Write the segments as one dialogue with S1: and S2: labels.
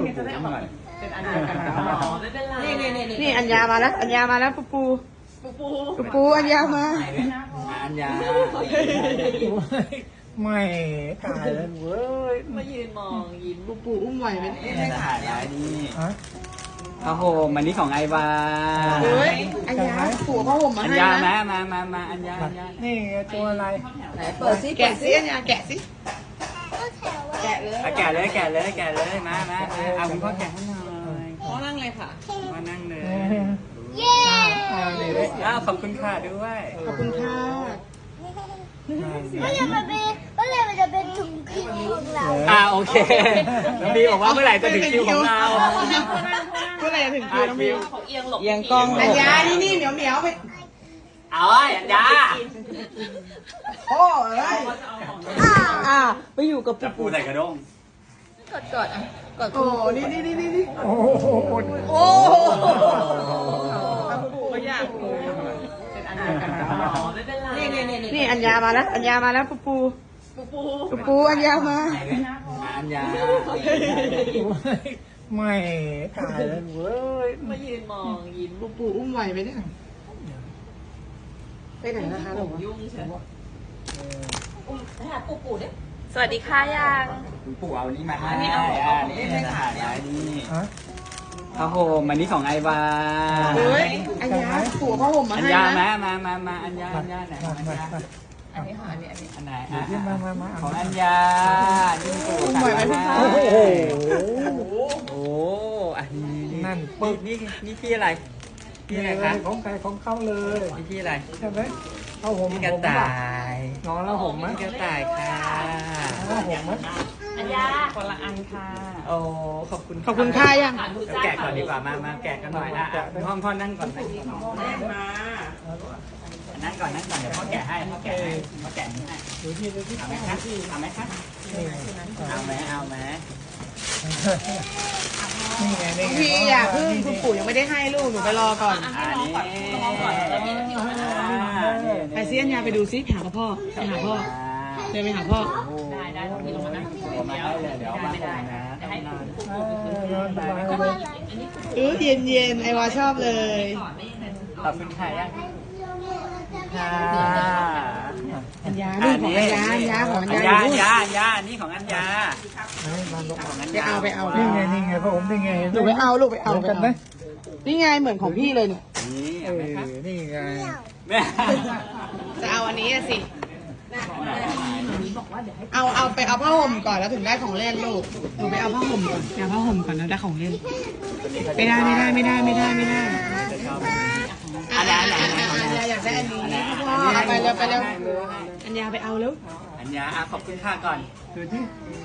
S1: จะได้ออกเป็นอันเดียวกันไม่เป็นไร
S2: นี่อัญญามาแล้วอัญญามาแล้วปูปูอัญญามา
S3: อัญญา
S4: ไม่ตายแล้วเว้ย
S1: มายืนมองยิ้ม
S2: ปูอุ้มไหวไหม
S3: ไม่ถ่ายแล้วนี่
S4: ฮะ
S3: ผ้าห่มอันนี้ของไอวา
S2: เฮ้ยอัญญาผัวเขาห่มมา
S3: อัญ
S2: ให้
S3: ญา
S2: นะ
S3: มาอัญญา
S4: นี่ตัวอะไร
S2: ไหนเปิดซิแกะซิอัญญาแกะซิแกะเลย
S3: แกะเลยมาเอาคุณพ่อแกะให้หน่อย
S2: พ่อนั่งเลยค่ะ
S3: มานั่งเลย
S4: เย้นี่เลย
S3: อ้าวขอบคุณค่ะด้วย
S2: ขอบคุณค่ะ
S5: ก็เลยมันจะเป็นถุงคิวของเรา
S3: โอเคน้องบีบอกว่าเมื่อไหร่จะถึงคิวของเรา
S2: เมื่อไหร่จะถึงคิวน้องบิว
S1: เขาเอียงหลบ
S2: เอียงกล้องอัญญานี่เหมียวไป
S3: เอาอัญญา
S2: โอ้ยไปอยู่กับ
S3: จับปูใส่กระด้ง
S2: กอดโอ้นี่
S4: โอ้โห
S2: โอ้ไม่อยาก
S1: เป็นอันเดียวกันไม่เป็นไร
S2: นี่อัญญามาแล้วอัญญามาแล้วปูอัญญามา
S3: อัญญา
S4: ไม่ตายแล้วเว้ย
S1: มายืนมองยิ้ม
S2: ปูอุ้มไหวไหมเนี่ยไปไหนนะคะหนู
S1: ยุ่งเฉย
S2: สวัสดีค่ะยัง
S3: คุณปู่เอานี้มาให้นี่ถ่ายแล้วนี่
S4: ฮะ
S3: ผ้าห่มอันนี้ของไอวา
S2: เฮ้ยอัญญาผัวเขาห่มมา
S3: อัญ
S2: ให้
S3: ญา
S2: นะ
S3: มาอัญญาไหนอัญญา
S1: อันนี้ค่ะอันนี้
S3: อันไหน
S4: มา
S3: ของอัญญานี่ปู่
S2: อุ้มไหวไหมพี่ฟ้า
S4: โอ้โห
S3: โอ้อันนี้
S4: นั่นปึ๊ก
S3: นี่พี่อะไรพี่อะไรคะ
S4: ของใครของเขาเลย
S3: นี่พี่อะไร
S4: ใช่ไหมเอาผม
S3: พี่กระต่าย
S4: นอนแล้วผมไหม
S3: พี่กระต่ายค่ะ
S4: เอาผมไหม
S1: อันยาคนละอันค่ะ
S3: โอ้ขอบคุณ
S2: ขอบคุณค่ะยัง
S3: แกะก่อนดีกว่ามาแกะกันหน่อยพ่อนั่งก่อนนั่งก่อนเดี๋ยวพ่อแกะให้พ่อแกะนี่ให้
S4: ดูที่
S3: เอาไหมคะเอาไหม
S4: นี่ไงนี่ไง
S2: พี่อย่าพึ่งคุณปู่ยังไม่ได้ให้ลูกหนูไปรอก่อน
S3: อันนี้
S2: ไปซิอัญญาไปดูซิหาพ่อไปหาพ่อเดินไปหาพ่อ
S1: ได้ตรงนี้ลงมานั่ง
S3: มาให้เลยเดี๋ยวมาให้นะ
S1: ให้
S4: นอนสบายเลย
S2: เย็นไอวาชอบเลย
S3: ขอบคุณค่ะยังค่ะ
S2: อัญญานี่ของอัญญาของอัญญา
S3: นี่ของอัญญา
S4: มาลง
S3: ของอัญ
S2: ไป
S3: ญา
S2: เอา
S4: นี่ไงพระผมนี่ไง
S2: ลูกไปเอา
S4: กันไหม
S2: นี่ไงเหมือนของพี่เลยเนี่ย
S3: นี่
S4: นี่ไง
S3: แม่
S2: จะเอาอันนี้สิเอาไปเอาผ้าห่มก่อนแล้วถึงได้ของเล่นลูกหนูไปเอาผ้าห่มก่อนเอาผ้าห่มก่อนแล้วได้ของเล่นไม่ได้อัญญาอยากได้อันนี้พ่อเอาไปเร็วอัญญาไปเอาเร็ว
S3: อัญญาขอบคุณค่ะก่อน
S4: ดูที่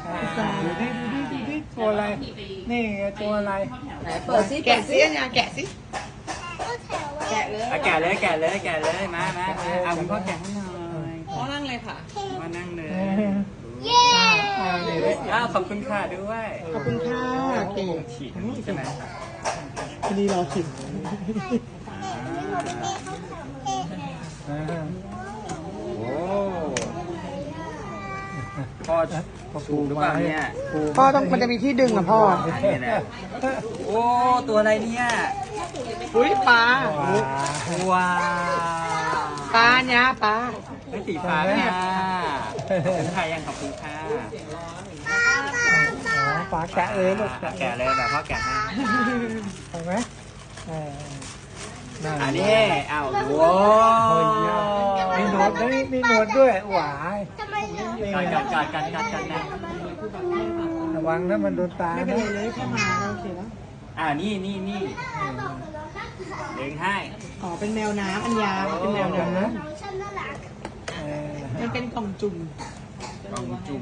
S4: ตัวอะไรนี่ไงตัวอะไร
S2: เปิดซิแกะซิอัญญาแกะซิแกะเลย
S3: แกะเลยมาเอาคุณพ่อแกะให้หน่อย
S2: พ่อนั่งเลยค่ะ
S3: มานั่งเลย
S5: เย้
S4: นี่เลย
S3: ขอบคุณค่ะด้วย
S2: ขอบคุณค่ะเก่ง
S3: ฉีดใช่ไหม
S2: อันนี้รอชิม
S3: โอ้พ่อถูกหรือเปล่าเนี่ย
S2: พ่อต้องมันจะมีที่ดึงอ่ะพ่อ
S3: โอ้ตัวอะไรเนี่ย
S2: อุ้ยปลา
S3: ว้า
S2: ปลาเนี้ยปลา
S3: ไม่สีฟ้าค่ะขอบคุณค่ะยังขอบคุณค่ะ
S4: ปลาแกะเลยลูก
S3: แกะเลยแบบพ่อแกะให้
S4: เห็นไหมนั่น
S3: อันนี้อ้าวโว้
S4: มีหนวดด้วยมีหนวดด้วยหวาย
S5: ทำไมเหรอ
S3: กันนะ
S4: ระวังนะมันโดนตา
S2: ไม่เป็นไรเลยแค่มาโอเคแล้ว
S3: นี่เลี้ยงให้
S2: อ๋อเป็นแมวน้ำอัญญาเป็นแมวน้
S5: น้องฉันน่ารัก
S2: ำมันเป็นกล่องจุ่ม
S3: กองจุ่ม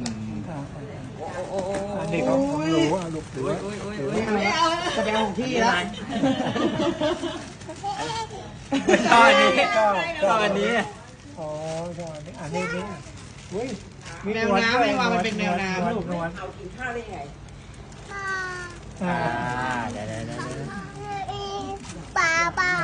S4: อันนี้ของหนูลูกหนู
S2: ไม่เอาจะไปเอาของพี่แล้ว
S3: ชอบอันนี้ชอบอันนี้
S4: อ๋อชอบอันนี้นี่อุ้ย
S2: แมวน้ำไม่ว่ามันเป็นแมวน้ำลูก
S4: นวล
S3: เดี๋ยว
S5: ปลา
S2: ปลา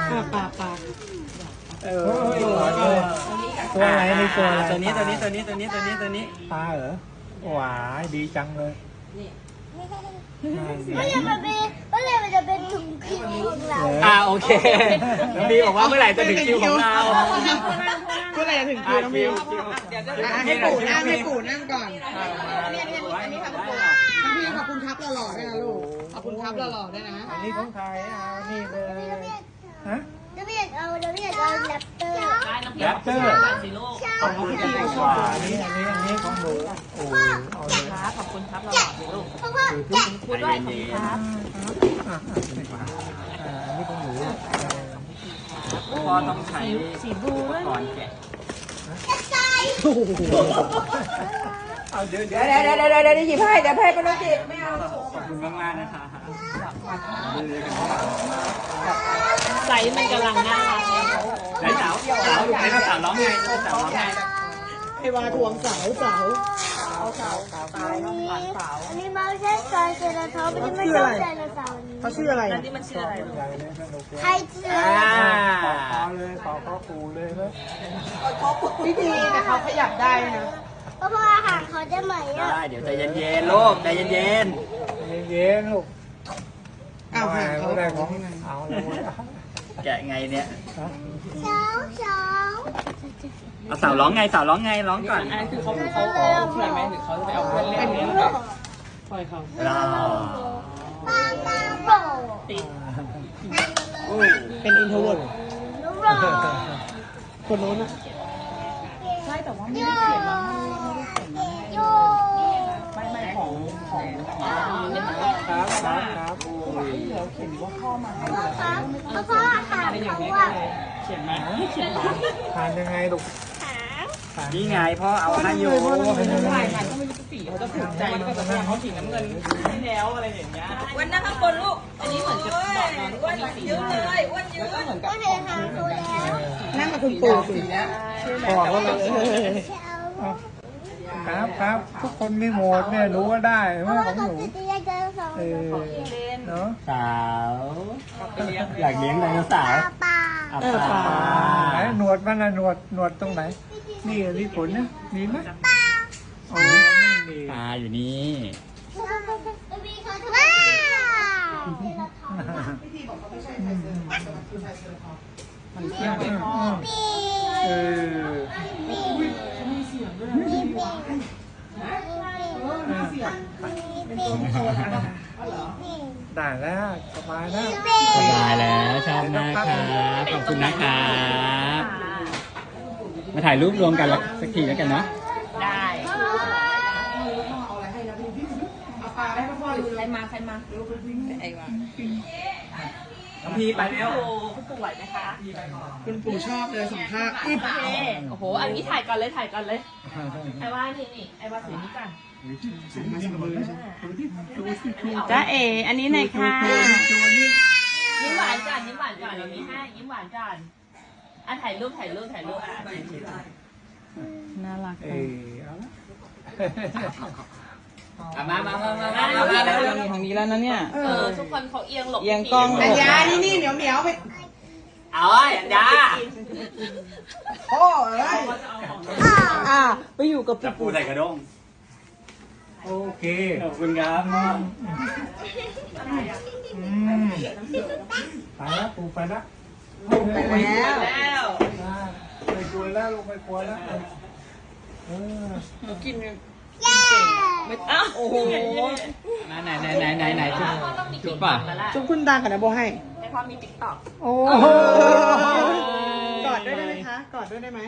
S4: ตัวอะไรนี่ตัวอะไร
S3: ตัวนี้
S4: ปลาเหรอหวายดีจังเลย
S5: ก็เลยมันจะเป็นถุงคิวของเรา
S3: โอเคน้องบีบอกว่าเมื่อไหร่จะถึงคิวของเรา
S2: เมื่อไหร่จะถึงคิวน้องบิว
S1: เดี๋ยวจะ
S2: ให้ปู่นั่งก่อนอันนี้ค่ะคุณปู่น้องพี่ขอบคุณครับหล่อๆด้วยนะลูกขอบคุณครับหล่อๆด้วยนะ
S4: อันนี้ของใครนี่เลยฮะ
S5: จะไม่อยากเอาแรปเตอร์
S1: ได้น้ำพริกก่อนสิลูก
S4: ขอบคุณที่ชอบอันนี้ของหนูโอ้เอาเลย
S1: ครับขอบคุณครับหล่อๆสิลูก
S5: เพราะว่าแกะ
S1: พูดด้วยขอบคุณครับ
S4: อันนี้ของหนู
S3: พ่อต้องใช้อุปกรณ์แกะ
S5: ใส่
S3: เอาเดี๋ยว
S2: เดี๋ยวหยิบให้เดี๋ยวให้ก็ต้องจิไม่เอา
S3: ขอบคุณมากๆนะคะ
S1: ไซส์มันกำลังน่ารักเลย
S3: ไหนสาวไหนสาวร้องไงสาวร้องไง
S2: ไอ้วาทวงเสา
S5: อันนี้มาใช่ซอยเซราทอปอันนี้ไม่ใช่ไดโนเสาร์นี้
S2: เขาชื่ออะไร
S1: แล้วนี่มันชื่ออะไรลูก
S5: ใครเชื่อ
S4: ขอเลยขอปูเลยนะ
S2: พี่ดีแต่เขาขยับได้นะ
S5: เพราะอาหารเขาจะใหม่อ่ะ
S3: ได้เดี๋ยวใจเย็นๆลูกใจเย็น
S4: เย็นลูก
S2: อ้าวหางเขา
S4: ได้ของเอาเลย
S3: ๆแกะไงเนี่ย
S5: เช้า
S3: เอาสาวร้องไงสาวร้องไงร้องก่อน
S1: อันนั้นคือเขาเพื่อนไหมหรือเขาจะไปเอาเพื่อนเล่นเนี่ยปล่อยเขา
S3: รอ
S5: ปาตาโบ
S1: ติด
S2: เป็นอินโทรเวิร์ด
S5: ลูกโร
S2: คนโน้นอะ
S1: ใช่แต่ว่า
S5: โยโย
S1: ไม่ของเนี่ย
S4: ครับครับ
S5: พ่ออาหารเขาอ่ะ
S1: เขียนไหม
S4: ทานยังไงลูก
S3: นี่ไงพ่อเอาให้อยู่
S1: ถ่ายถ่ายก็ไม่รู้สีเขาจะถูกใจหรือเปล่าแต่เขาสีน้ำเงินที่แล้วอะไรอย่างเงี้ยวันนั้นข้างบนลูกอันนี้เหมือนจะบอกน้องว่าสีเยอะเลยอ้วนเยอะแล้วก็เหมือนกับ
S5: ก็เลยหาเขาแล้ว
S2: นั่งกับคุณปู่สิ
S4: บอกว่าครับทุกคนมีโหมดเนี่ยรู้ว่าได้
S5: เพ
S4: ว่า
S5: ราะว่า
S4: ของ
S5: เขา
S4: หนู
S5: จะแยกกันสอง
S4: เนาะ
S3: สาวอยากเลี้ยงไดโนเสาร์
S5: ปลา
S4: ไหนหนวดมันนะหนวดตรงไหนนี่มีขนนะมีไหมอ๋อไม่มี
S3: ปลาอยู่นี่
S5: ว้าว
S1: มันเที่ยวไม่พอ
S4: เออ ได้แล้วสบายแล้ว
S3: สบายแล้วชอบมากครับขอบคุณนะครับมาถ่ายรูปรวมกันแล้วสักทีแล้วกันเนาะ
S1: ได้
S2: เอาปลาให้พ่อดู
S1: ใครมาไอ้วะ
S3: น้องพีไปแล้ว
S1: คุณปู่ไหวไหมคะ
S2: คุณปู่ชอบเลยสัมภาษณ์อึ๊บ
S1: โอเคโอ้โหอันนี้ถ่ายก่อนเลยไอ้ว่านี่ไอ้ว่าถือนี่ก่อน
S6: จ้าเออันนี้หน่อยค่ะ
S1: ยิ้มหวานก่อนเรามีให้ยิ้มหวานก่อนอ่ะถ่ายรูปอ่ะ
S6: น่ารัก
S4: เออ
S3: มา
S6: ทางนี้แล้วนะเนี่ย
S1: ทุกคนเขาเอียงหลบ
S6: เอียงกล้อง
S2: อัญญานี่เหนียวไป
S3: เอาไอ้อันดา
S2: โอ้เอ้ย
S6: ไปอยู่กับ
S3: จับปูใส่กระด้ง
S4: โอเค
S3: ขอบคุณครับ
S4: ไปแล้วปูไปแล้ว
S2: ไปแล้ว
S1: แล้ว
S4: ไม่กลัวแล้วลงไปกลัวแล้ว
S6: กิน
S1: โอ้โห
S3: ไหนจุ๊บ
S1: ต้องมี
S3: จุ๊
S1: ติ๊
S3: บ
S1: ก
S3: ป่ะ
S1: ต็อกแล้วล่ะ
S2: จุ๊บคุณตากับนะโบให้
S1: ให้พ่อมีติ๊กต็อก
S2: โอ้กอดด้วยได้ไหมคะกอดด้วยได้ไหม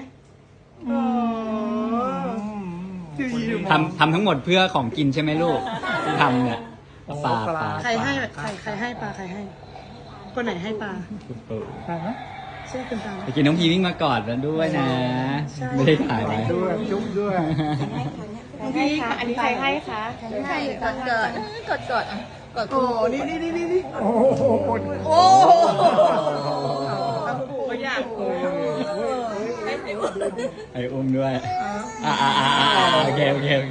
S3: ทำทั้งหมดเพื่อของกินใช่ไหมลูกที่ทำเนี่ยปลา
S2: ใครให้ใครให้ปลาใครให้ คนไหนให้ปลา
S4: ใช่ไหม
S2: เชื่อคุณตา
S3: ไปกินน้องพีวิ่งมากอดแล้วด้วยนะ ไม่ได้ถ่ายไว้
S4: ด้วยจุ๊บด้วย
S2: พี่อันนี้ใครให้คะ
S1: กด
S2: โอ้นี่
S4: โอ้โห
S2: โอ้ก็อยาก
S3: ไอ้อุ้มด้วยโอเค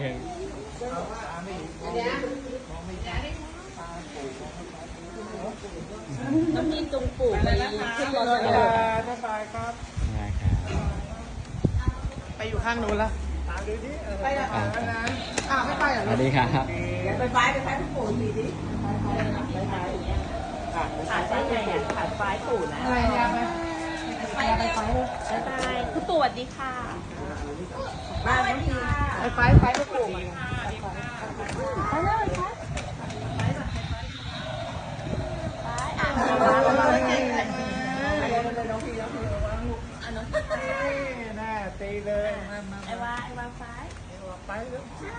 S1: น้ำมีจุงปู่ไปขึ้นรถเลย
S4: บ๊ายบายครับ
S3: ได้ครับ
S2: ไปอยู่ข้างนู้นละไปละให้ไปเหรอ
S3: สวัสดีครับ
S2: ไปคุณปู่ทีดิ
S1: ขาดไฟไงอ่ะขาดไฟปู่นะ
S2: อะไรเนี่ยไปไปไปเลย
S1: บ๊ายบายคุณปู่สวัสดีค่ะบ้านน้องพี
S2: ไปไปปลูกมา
S4: แน่ตีเลยมา
S1: ไอ้วาไฟ
S4: ไปเลย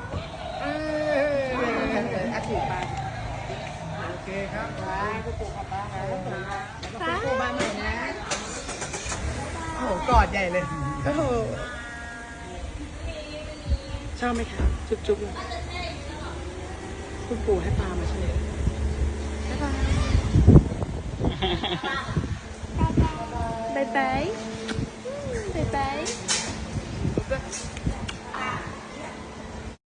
S2: อาทิตย์ไป
S4: โอเคครับ
S2: ปลูกบ้านใหม่นะโอ้โหกอดใหญ่เลยโอ้โหชอบไหมคะจุ๊บๆเลยคุณปู่ให้ปลามาใช่ไหมบ๊ายบาย
S5: 拜拜。